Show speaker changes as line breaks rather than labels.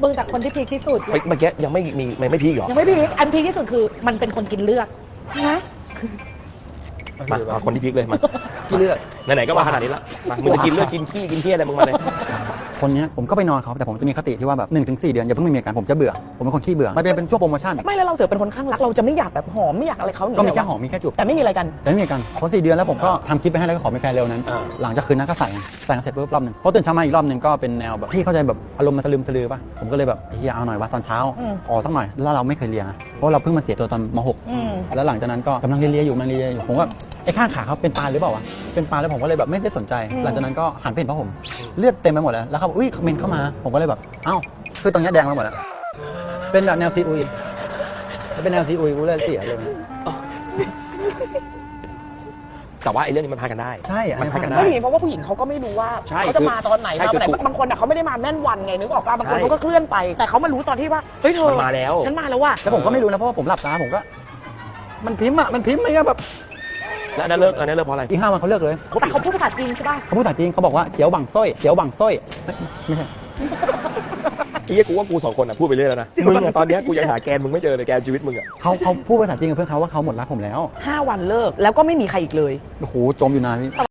มึงแต่คนที่พีคที่สุด
เมื่อกี้ยังไม่มีไม่พีคหรอ
ยังไม่พีคอันพีคที่สุดคือมันเป็นคนกินเลือดนะ
มาคนที่พีคเลยมา
ที่เลือด
ไหนๆก็มาขนาดนี้ละมามึงจะกินเลือดกินขี้กินเหี้ยอะไรมึงมาเลย
คนเนี้ยผมก็ไปนอนเขาแต่ผมจะมีคติที่ว่าแบบ1-4 เดือนอย่าเพิ่งมีอาการผมจะเบื่อผมเป็นคนขี้เบื่อมันเป็นช่วงโปรโมชั่น
ไม่แล้วเราเสือเป็นคนข้างรักเราจะไม่อยากแบบหอมไม่อยากอะไรเขา
ก็มีแค่หอมมีแค่จูบ
แต่ไม่มีอะไรกัน
แต่ไม่มีอาการพอ4 เดือนแล้วผมก็ทำคลิปไปให้แล้วก็ขอเป็นแฟนเร็วนั้น หลังจากคืนนั้นก็ใส่กันเสร็จปุ๊บรอบนึงพอตื่นเช้ามาอีกรอบนึงก็เป็นแนวแบบพี่เข้าใจแบบอารมณ์มันสลืมสลือป่ะผมก็เลยแบบเฮียเอาหน่อยวะตอนเช้าขอสักหน่อยแล้วเราไม่เคยเรียนเพราะเราเพิ่งมาเสียตัวตอนม.6 แล้วหลังจากนั้นก็กำลังเรียนอยู่ผมว่าไอ้ข้างขาเขาเป็นปานหรือเปล่าวะเป็นปานแล้วผมก็เลยแบบไม่ได้สนใจหลังจากนั้นก็หันไปเห็นผ้าห่มเลือดเต็มไปหมดแล้วเขาอุ้ยคอมเมนต์เข้ามาผมก็เลยแบบเอ้าคือตรงนี้แดงไปหมดแล้วเป็นแบบแนวซีอุยเป็นแนวซีอุยกูเลยเสียเลย
แต่ว่าไอ้เรื่องนี้มันพากันได้
ใช่
มันพากันได้
ไม่มีเพราะว่าผู้หญิงเขาก็ไม่รู้ว่า
ใช่
เขาจะมาตอนไหน
ใช่
มา
คือ
ไหนบางคนเขาไม่ได้มาแม่นวันไงนึกออกป่ะบางคน
ใช่
เขาก็เคลื่อนไปแต่เขามารู้ตอนที่ว่าเฮ้ยเธอ
มันมาแล้ว
ฉันมาแล้วว่ะ
แล้วผมก็ไม่รู้นะเพราะว่าผมหลับตาผมก็มันพิมพ์ไม่ใช่แบบ
แล้วอันนั้นเลิกเพราะอะไร
อีก5 วันเขาเลิกเลย
แต่เขาพูดภาษาจีนใช่ป่ะ
เขาพูดภาษาจีนเขาบอกว่าเฉียวบังส้อยไม่ใช่
ไอ้เหี้ยกูว่ากู2 คนอ่ะพูดไปเรื่อยแล้วนะมึงอะตอนเนี้ยกูยังหาแกนมึงไม่เจอเลยแกนชีวิตมึงอ่ะ
เขาพูดภาษาจีนกับเพื่อนเขาว่าเขาหมดรักผมแล้ว
5 วันเลิกแล้วก็ไม่มีใครอีกเลย
โอ้โหจมอยู่นานพี่